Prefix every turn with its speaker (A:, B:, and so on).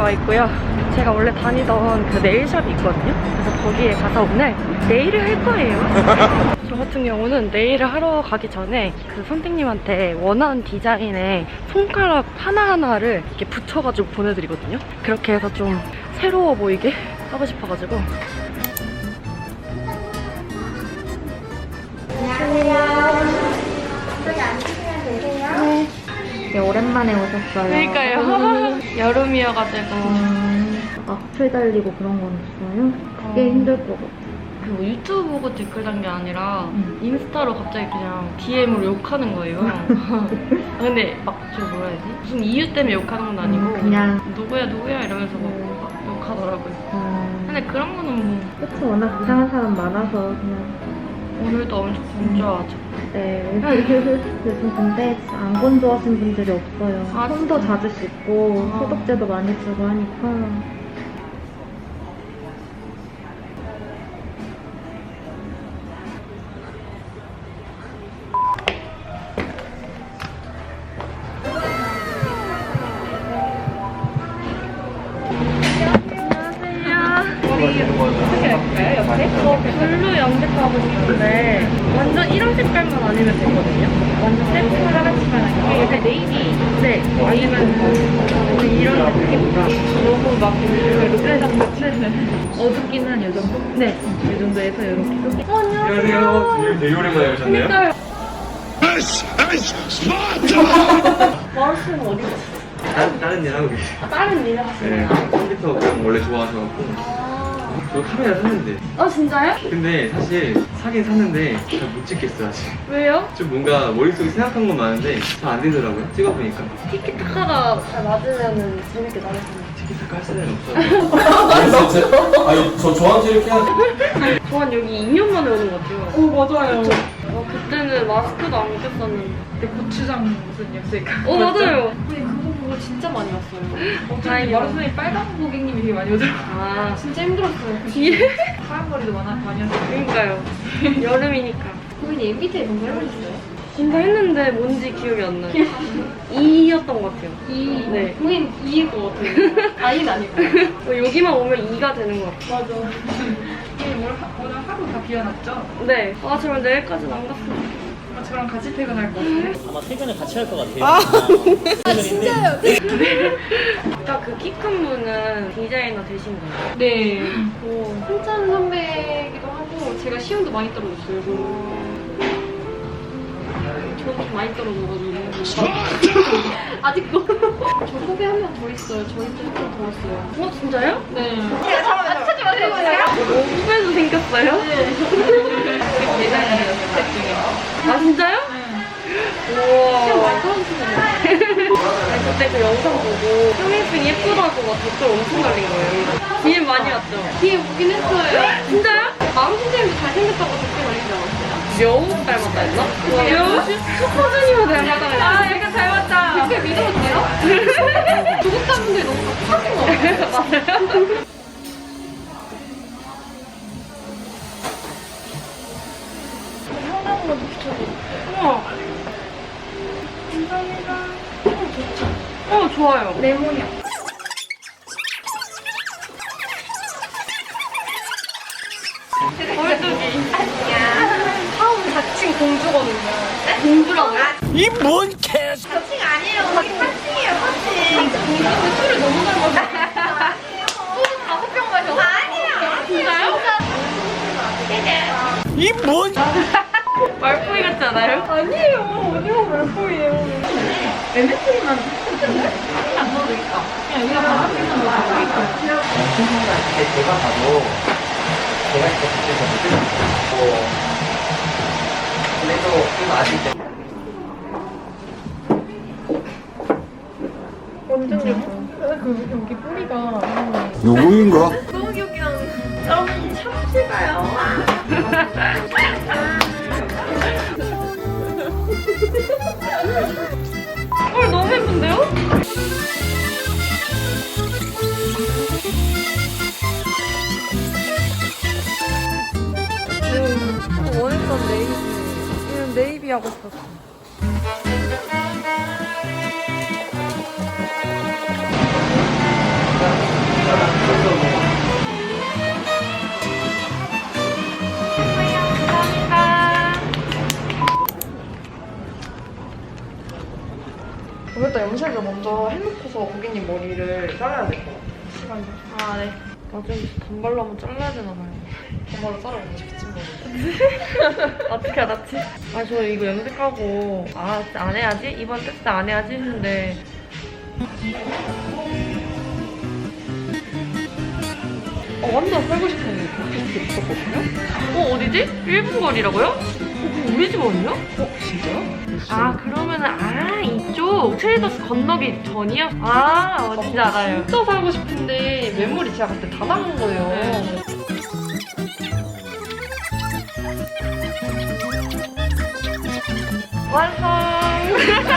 A: 와 있고요. 제가 원래 다니던 그 네일샵이 있거든요. 그래서 거기에 가서 오늘 네일을 할 거예요. 저 같은 경우는 네일을 하러 가기 전에 그 선생님한테 원하는 디자인의 손가락 하나하나를 이렇게 붙여가지고 보내드리거든요. 그렇게 해서 좀 새로워 보이게 하고 싶어가지고.
B: 저기 앉으시면 되세요.
A: 네.
B: 네, 오랜만에 오셨어요.
A: 그러니까요. 여름이어가지고.
B: 악플 달리고 그런 건 없어요? 그게 힘들 것 같아요.
A: 뭐 유튜브 보고 댓글 단 게 아니라 인스타로 갑자기 그냥 DM으로 욕하는 거예요. 근데 막 저 뭐라 해야 되지? 무슨 이유 때문에 욕하는 건 아니고
B: 그냥
A: 누구야 이러면서 막 욕하더라고요. 근데 그런 거는 뭐
B: 그치, 워낙 이상한 사람 많아서 그냥.
A: 오늘도 엄청 건조하죠.
B: 네. 요즘 근데 안 건조하신 분들이 없어요.
A: 아,
B: 손도 자주 씻고
A: 아.
B: 소독제도 많이 쓰고 하니까.
A: 어떻게 할까요, 옆에? 블루 염색하고 싶은데 완전 이런 색깔만 아니면 되거든요. 완전 샘플 하나씩만 아니면 약간 네이비. 네. 아니면 이런 느낌? 너무 막
B: 어둡기는 요 정도?
A: 네.
B: 이 정도에서 이렇게.
C: 안녕하세요. 되게 오랜만에 오셨네요.
A: 마우스는 어디 갔어요?
C: 다른 일 하고 계세요.
A: 다른 일
C: 네,
A: 하시나요?
C: 컴퓨터 그냥 원래 좋아하셔갖고 저 카메라 샀는데
A: 아 진짜요?
C: 근데 사실 사긴 샀는데 잘 못 찍겠어요 아직.
A: 왜요?
C: 좀 뭔가 머릿속에 생각한 건 많은데 잘 안 되더라고요. 찍어보니까
A: 티키타카가 잘 맞으면 재밌게 나왔어요.
C: 티키타카 할 사람이 없어요.
D: 아니 저한테 이렇게
A: 저한 여기 2년 만에 오는 것 같아요.
E: 맞아요.
A: 그때는 마스크도 안 꼈었는데.
E: 그때 고추장 무슨 염색.
A: 맞아요.
E: 근데 그거 보고 진짜 많이 왔어요. 어쩐지
A: 다행이다.
E: 마라톤에 빨간 고객님이 되게 많이 오더라고요.
A: 아,
E: 진짜 힘들었어요. 그
A: 예?
E: 하얀 머리도 많이 왔어요.
A: 그러니까요. 여름이니까.
E: 고객님 MBTI 뭔가 해보셨어요?
A: 뭔가 했는데 뭔지 기억이 안 나요. 2였던 것 같아요. 네.
E: 고객님 2일 것 같아요. I는 아니고.
A: 여기만 오면 2가 되는 것 같아요.
E: 맞아. 오늘 하루 다 비워놨죠?
A: 네. 아, 정말 내일까지는 안 갔으면 좋겠어요.
E: 저랑 같이 퇴근할 것 같아요.
D: 아마 퇴근을 같이 할 것 같아요. 진짜요?
A: 아까 그 키 큰 분은 디자이너 되신 거예요?
E: 네.
A: 오.
E: 한찬 선배기도 하고 제가 시험도 많이 떨어졌어요.
A: 저도 좀 많이 떨어져가지고.
E: 아직도. 저 후배 한 명 더 있어요. 저희 때 한 명 더 왔어요.
A: 진짜요?
E: 네.
A: 찾지 마세요. 후배도 생겼어요?
E: 예전에 연습생 중에.
A: 아, 진짜요? 우와.
E: 시험 많이 떨어지시네요.
A: 그때 그 영상 보고 형일승 예쁘다고 막 댓글 엄청 달린 거예요. DM 많이 왔죠?
E: 뒤에 오긴 했어요.
A: 진짜요?
E: 마음 선생님도 잘생겼다고 댓글 달리지 않았어요?
A: 여우 닮았다 했나? 여우? 슈퍼주니어 닮았다 했나?
E: 아, 약간 닮았다. 댓글 믿어도 돼요? 구독자분들이 너무 착하신 거 같아요.
A: 맞아요?
E: 현관으로 붙여줘.
A: 우와. 감사합니다. 좋아요.
E: 레몬이야.
A: 얼뚝이. 처음 자칭 공주거든요. 공주라고요?
D: 이뭔 개?
A: 술을 너무 잘 마셔. 소주 5병 마셔. 아니에요. 진짜요?
D: 이뭔?
A: 말풍이 같지 않아요?
E: 아니에요. 어디가 말포예요. MSG만 안 넣어도 있다. 그냥 여기가 바삭해서 넣어도 있다.
D: 제가 봐도 제가 진짜 그때서 못 들었고 그래도 좀 아직
E: 완전 예뻐. 그 여기 뿌리가
F: 누구인가?
A: 너무 귀엽긴 한데. 여러분, 참치가요. 너무 예쁜데요? 원했던 네이비. 이런 네이비 하고 싶었어. 감사합니다. 일단 염색을 먼저 해놓고서 고객님 머리를 잘라야 될 것 같아요. 시간이. 아, 네. 나중에 단발로 한번 잘라야 되나 봐요. 단발로 자르고 싶지 뭐. 어떻게 알았지? 아, 저 이거 염색하고 진짜 안 해야지? 이번 테스트 안 해야지 했는데 완전 살고 싶은 팟캐스트 있었거든요? 어디지? 1분 거리라고요? 그럼 우리 집 아니야? 진짜요? 아, 그러면은, 이쪽 트레이더스 건너기 전이요? 뭔지 알아요. 진짜 살고 싶은데 메모리 제가 그때 다 담은 거예요. 완성!